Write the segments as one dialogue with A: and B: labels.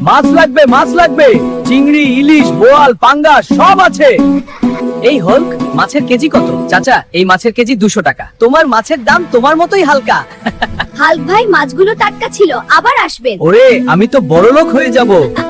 A: মাছ লাগবে, চিংড়ি, ইলিশ, বোয়াল, পাঙ্গাস সব আছে। এই হল্ক, মাছের কেজি কত? চাচা, এই মাছের কেজি 200 টাকা। তোমার মাছের দাম তোমার মতোই হালকা।
B: হাল্ক ভাই, মাছগুলো টাটকা ছিল, আবার আসবেন।
A: ওরে, আমি তো বড়লোক হয়ে যাব।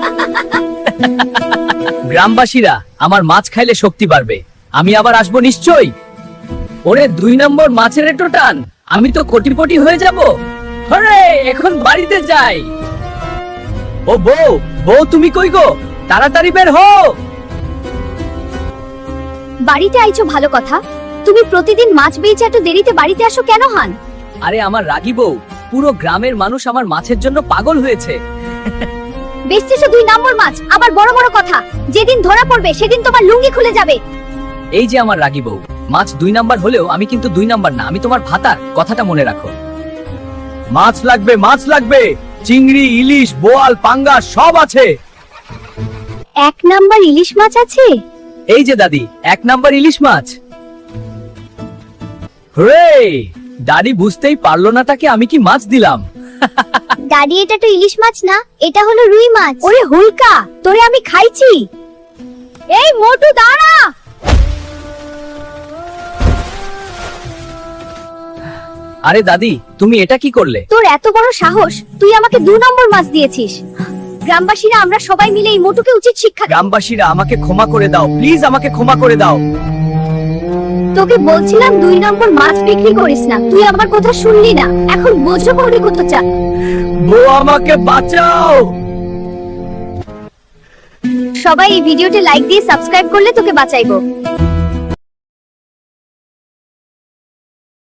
A: গ্রামবাসীরা, আমার মাছ খাইলে শক্তি বাড়বে, আমি আবার আসবো নিশ্চয়ই। ওরে 2 নম্বর মাছের এটো টান, আমি তো কোটিপতি হয়ে যাব। হরে, এখন বাড়িতে যাই। ও বউ, তুমি কই গো? তাড়াতাড়ি বের হও।
B: বাড়িতে আইছো ভালো কথা, তুমি প্রতিদিন মাছ বেচে এত দেরিতে বাড়িতে আসো কেন হান?
A: আরে আমার রাগী বউ, পুরো গ্রামের মানুষ আমার মাছের জন্য পাগল হয়েছে।
B: বেচতেছো 2 নম্বর মাছ, আবার বড় বড় কথা। যেদিন ধরা পড়বে সেদিন তোমার লুঙ্গি খুলে যাবে।
A: এই যে আমার রাগী বউ, মাছ 2 নাম্বার হলেও আমি কিন্তু 2 নাম্বার না, আমি তোমার ভাতার, কথাটা মনে রাখো। মাছ লাগবে, চিংড়ি, ইলিশ, বোয়াল, পাঙ্গাস সব আছে।
B: 1 নাম্বার ইলিশ মাছ আছে?
A: এই যে দাদি, 1 নাম্বার ইলিশ মাছ। রে, দাদি বুঝতেই পারলো না তাকে আমি কি মাছ দিলাম।
B: দাদি, এটা তো ইলিশ মাছ না, এটা হলো রুই মাছ। ওরে হুলকা, তোরে আমি খাইছি। এই মোটু দাঁড়া।
A: আরে দাদি, তুমি এটা কি করলে?
B: তোর এত বড় সাহস, তুই আমাকে 2 নম্বর মাছ দিয়েছিস। গ্রামবাসীরা আমরা সবাই মিলে এই মোটুকে উচিত শিক্ষা দেব।
A: গ্রামবাসীরা, আমাকে ক্ষমা করে দাও, প্লিজ আমাকে ক্ষমা করে দাও।
B: তোকে বলছিলাম 2 নম্বর মাছ বিক্রি করিস না, তুই আমার কথা শুনলি না। এখন বোঝো করে কত চা।
A: বউ, আমাকে বাঁচাও।
B: সবাই এই ভিডিওতে লাইক দিয়ে সাবস্ক্রাইব করলে তোকে বাঁচাইবো।